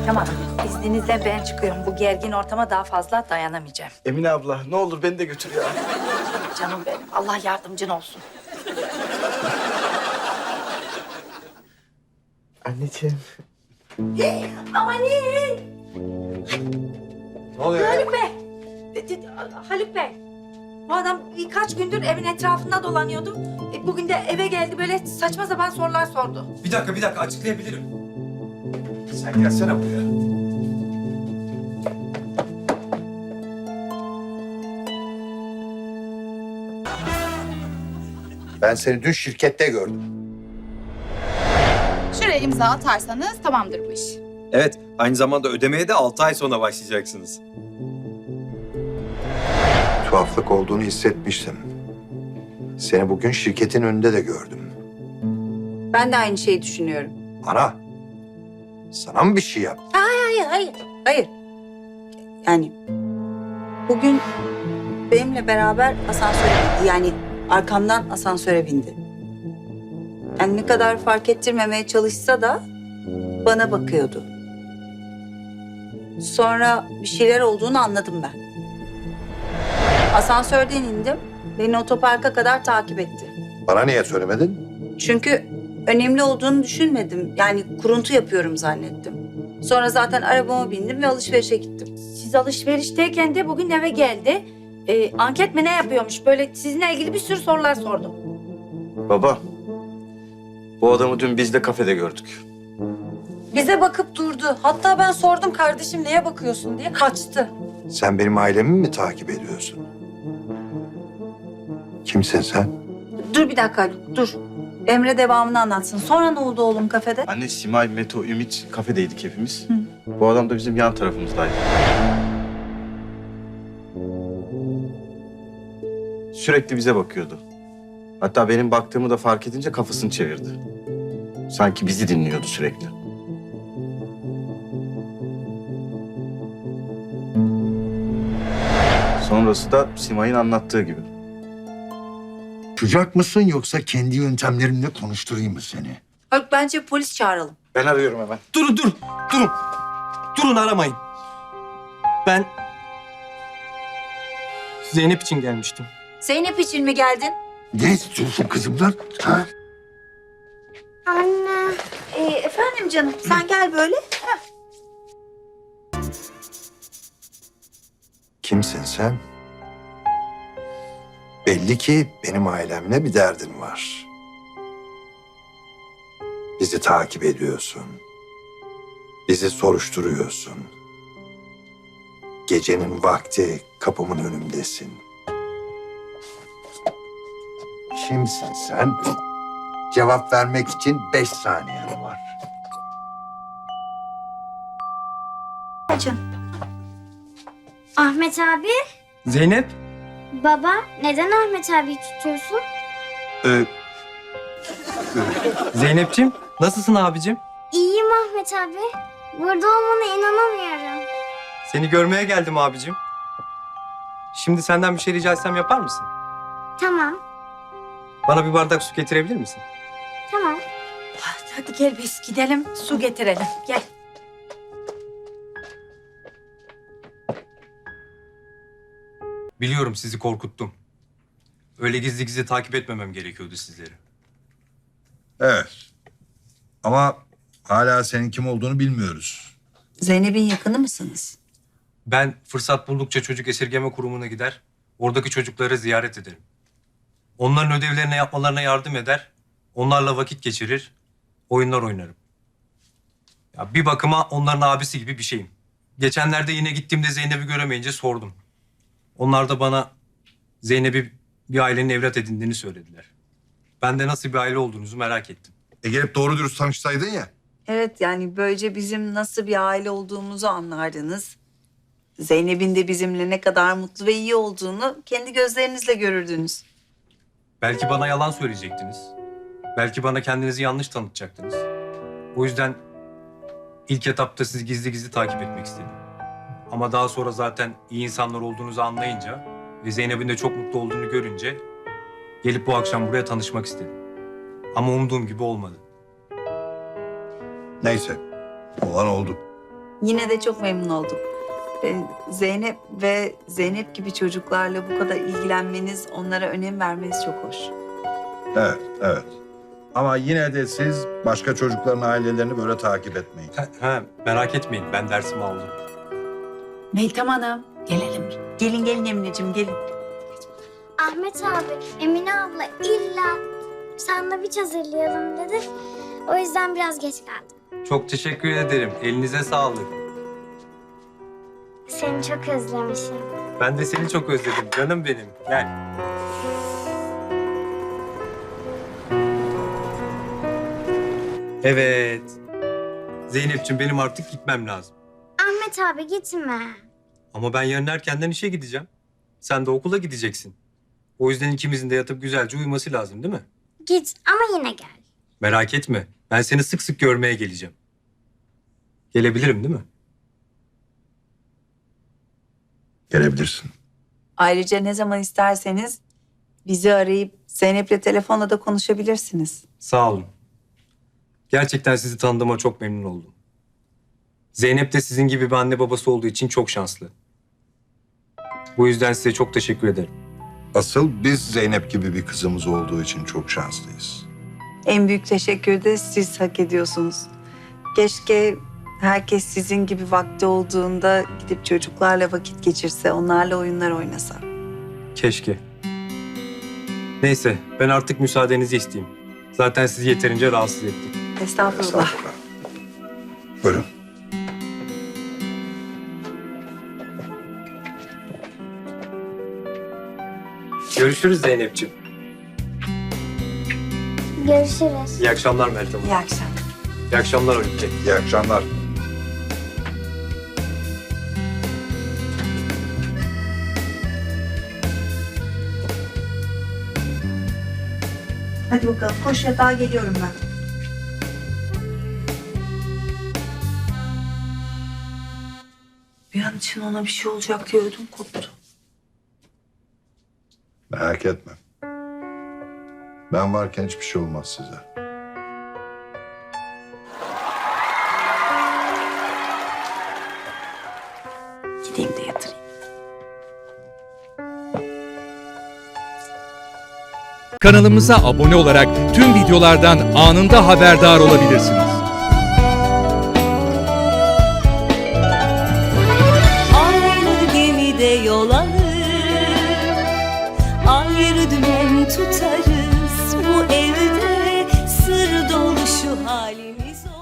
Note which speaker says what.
Speaker 1: Tamam, izninizle ben çıkıyorum. Bu gergin ortama daha fazla dayanamayacağım.
Speaker 2: Emine abla ne olur beni de götür ya.
Speaker 1: Canım benim, Allah yardımcın olsun.
Speaker 2: Anneciğim.
Speaker 1: Amanın!
Speaker 2: Ne oluyor ya?
Speaker 1: Haluk Bey! Haluk Bey! Bu adam birkaç gündür evin etrafında dolanıyordu. Bugün de eve geldi, böyle saçma sapan sorular sordu.
Speaker 3: Bir dakika açıklayabilirim.
Speaker 2: Sen gelsene buraya.
Speaker 4: Ben seni dün şirkette gördüm.
Speaker 5: Şuraya imza atarsanız tamamdır bu iş.
Speaker 3: Evet, aynı zamanda ödemeye de 6 ay sonra başlayacaksınız.
Speaker 4: Tuhaflık olduğunu hissetmiştim. Seni bugün şirketin önünde de gördüm.
Speaker 6: Ben de aynı şeyi düşünüyorum.
Speaker 4: Ana, sana mı bir şey yaptı?
Speaker 6: Hayır. Yani bugün benimle beraber asansöre bindi. Yani arkamdan asansöre bindi. Yani ne kadar fark ettirmemeye çalışsa da bana bakıyordu. Sonra bir şeyler olduğunu anladım ben. Asansörden indim. Beni otoparka kadar takip etti.
Speaker 4: Bana niye söylemedin?
Speaker 6: Çünkü önemli olduğunu düşünmedim. Yani kuruntu yapıyorum zannettim. Sonra zaten arabama bindim ve alışverişe gittim.
Speaker 1: Siz alışverişteyken de bugün eve geldi. Anket mi ne yapıyormuş? Böyle sizinle ilgili bir sürü sorular sordu.
Speaker 2: Baba. Bu adamı dün biz de kafede gördük.
Speaker 6: Bize bakıp durdu. Hatta ben sordum kardeşim neye bakıyorsun diye kaçtı.
Speaker 4: Sen benim ailemi mi takip ediyorsun? Kimsin sen?
Speaker 6: Dur bir dakika Haluk, dur. Emre devamını anlatsın. Sonra ne oldu oğlum kafede?
Speaker 2: Anne, Simay, Meto, Ümit kafedeydik hepimiz. Bu adam da bizim yan tarafımızdaydı. Sürekli bize bakıyordu. Hatta benim baktığımı da fark edince kafasını çevirdi. Sanki bizi dinliyordu sürekli. Sonrası da Simay'ın anlattığı gibi.
Speaker 7: Sıcak mısın yoksa kendi yöntemlerimle konuşturayım mı seni?
Speaker 6: Haluk bence polis çağıralım.
Speaker 2: Ben arıyorum hemen.
Speaker 3: Durun aramayın. Ben Zeynep için gelmiştim.
Speaker 6: Zeynep için mi geldin?
Speaker 7: Ne istiyorsun kızımdan? Ha?
Speaker 6: Efendim canım sen gel böyle.
Speaker 4: Kimsin sen? Belli ki benim ailemle bir derdin var. Bizi takip ediyorsun. Bizi soruşturuyorsun. Gecenin vakti kapımın önündesin. Kimsin sen? Cevap vermek için 5 saniyen var.
Speaker 8: Ahmet abi,
Speaker 3: Zeynep?
Speaker 8: baba neden Ahmet abiyi tutuyorsun?
Speaker 3: Zeynep'ciğim, nasılsın abicim?
Speaker 8: İyiyim Ahmet abi. Burada olmana inanamıyorum.
Speaker 3: Seni görmeye geldim abicim. Şimdi senden bir şey rica etsem yapar mısın?
Speaker 8: Tamam,
Speaker 3: Bana bir bardak su getirebilir misin?
Speaker 8: tamam.
Speaker 1: Hadi gel biz gidelim, su getirelim. Gel.
Speaker 3: Biliyorum sizi korkuttum. Öyle gizli gizli takip etmemem gerekiyordu sizleri.
Speaker 7: Evet. Ama hala senin kim olduğunu bilmiyoruz.
Speaker 6: Zeynep'in yakını mısınız?
Speaker 3: Ben fırsat buldukça çocuk esirgeme kurumuna gider, oradaki çocukları ziyaret ederim. Onların ödevlerini yapmalarına yardım eder, onlarla vakit geçirir, oyunlar oynarım. Ya bir bakıma onların abisi gibi bir şeyim. Geçenlerde yine gittiğimde Zeynep'i göremeyince sordum. Onlar da bana Zeynep'i bir ailenin evlat edindiğini söylediler. Ben de nasıl bir aile olduğunuzu merak ettim.
Speaker 7: Gelip doğru dürüst tanışsaydın ya.
Speaker 6: Evet yani böylece bizim nasıl bir aile olduğumuzu anlardınız. Zeynep'in de bizimle ne kadar mutlu ve iyi olduğunu kendi gözlerinizle görürdünüz.
Speaker 3: Belki bana yalan söyleyecektiniz. Belki bana kendinizi yanlış tanıtacaktınız. O yüzden ilk etapta sizi gizli gizli takip etmek istedim. Ama daha sonra zaten iyi insanlar olduğunuzu anlayınca ve Zeynep'in de çok mutlu olduğunu görünce gelip bu akşam buraya tanışmak istedim. Ama umduğum gibi olmadı.
Speaker 7: Neyse. Olan oldu.
Speaker 6: Yine de çok memnun oldum. Zeynep ve Zeynep gibi çocuklarla bu kadar ilgilenmeniz, onlara önem vermeniz çok hoş.
Speaker 4: Evet, evet. Ama yine de siz başka çocukların ailelerini böyle takip etmeyin.
Speaker 3: Merak etmeyin, ben dersimi aldım.
Speaker 6: Meltem Hanım, gelelim. Gelin gelin Emineciğim, gelin.
Speaker 8: Ahmet abi, Emine abla illa sandviç hazırlayalım dedi. O yüzden biraz geç kaldım.
Speaker 3: Çok teşekkür ederim. Elinize sağlık.
Speaker 8: Seni çok özlemişim.
Speaker 3: Ben de seni çok özledim canım benim. Gel. Evet. Zeynep'ciğim benim artık gitmem lazım.
Speaker 8: Ahmet abi gitme.
Speaker 3: Ama ben yarın erkenden işe gideceğim. Sen de okula gideceksin. O yüzden ikimizin de yatıp güzelce uyuması lazım değil mi?
Speaker 8: Git ama yine gel.
Speaker 3: Merak etme. Ben seni sık sık görmeye geleceğim. Gelebilirim değil mi?
Speaker 4: Gelebilirsin.
Speaker 6: Ayrıca ne zaman isterseniz bizi arayıp Zeynep'le telefonla da konuşabilirsiniz.
Speaker 3: Sağ olun. Gerçekten sizi tanıdığıma çok memnun oldum. Zeynep de sizin gibi bir anne babası olduğu için çok şanslı. Bu yüzden size çok teşekkür ederim.
Speaker 4: Asıl biz Zeynep gibi bir kızımız olduğu için çok şanslıyız.
Speaker 6: En büyük teşekkürü de siz hak ediyorsunuz. Keşke herkes sizin gibi vakti olduğunda gidip çocuklarla vakit geçirse, onlarla oyunlar oynasa.
Speaker 3: Keşke. Neyse, ben artık müsaadenizi isteyeyim. Zaten sizi yeterince rahatsız ettik.
Speaker 6: Estağfurullah.
Speaker 4: Estağfurullah. Buyurun.
Speaker 3: Görüşürüz Zeynep'ciğim.
Speaker 8: Görüşürüz.
Speaker 3: İyi akşamlar Meltem Hanım.
Speaker 6: İyi akşamlar.
Speaker 3: İyi akşamlar Haluk Bey.
Speaker 4: İyi akşamlar.
Speaker 6: Hadi bakalım, koş yatağa geliyorum ben. Bir an için ona bir şey olacak diye ödüm koptu.
Speaker 4: Merak etme. Ben varken hiçbir şey olmaz size.
Speaker 6: Gideyim de yatırayım.
Speaker 9: Kanalımıza abone olarak tüm videolardan anında haberdar olabilirsiniz.
Speaker 10: Ayrı gemide yol alır, ayrı dümen tutarız. Bu evde sır dolu şu halimiz.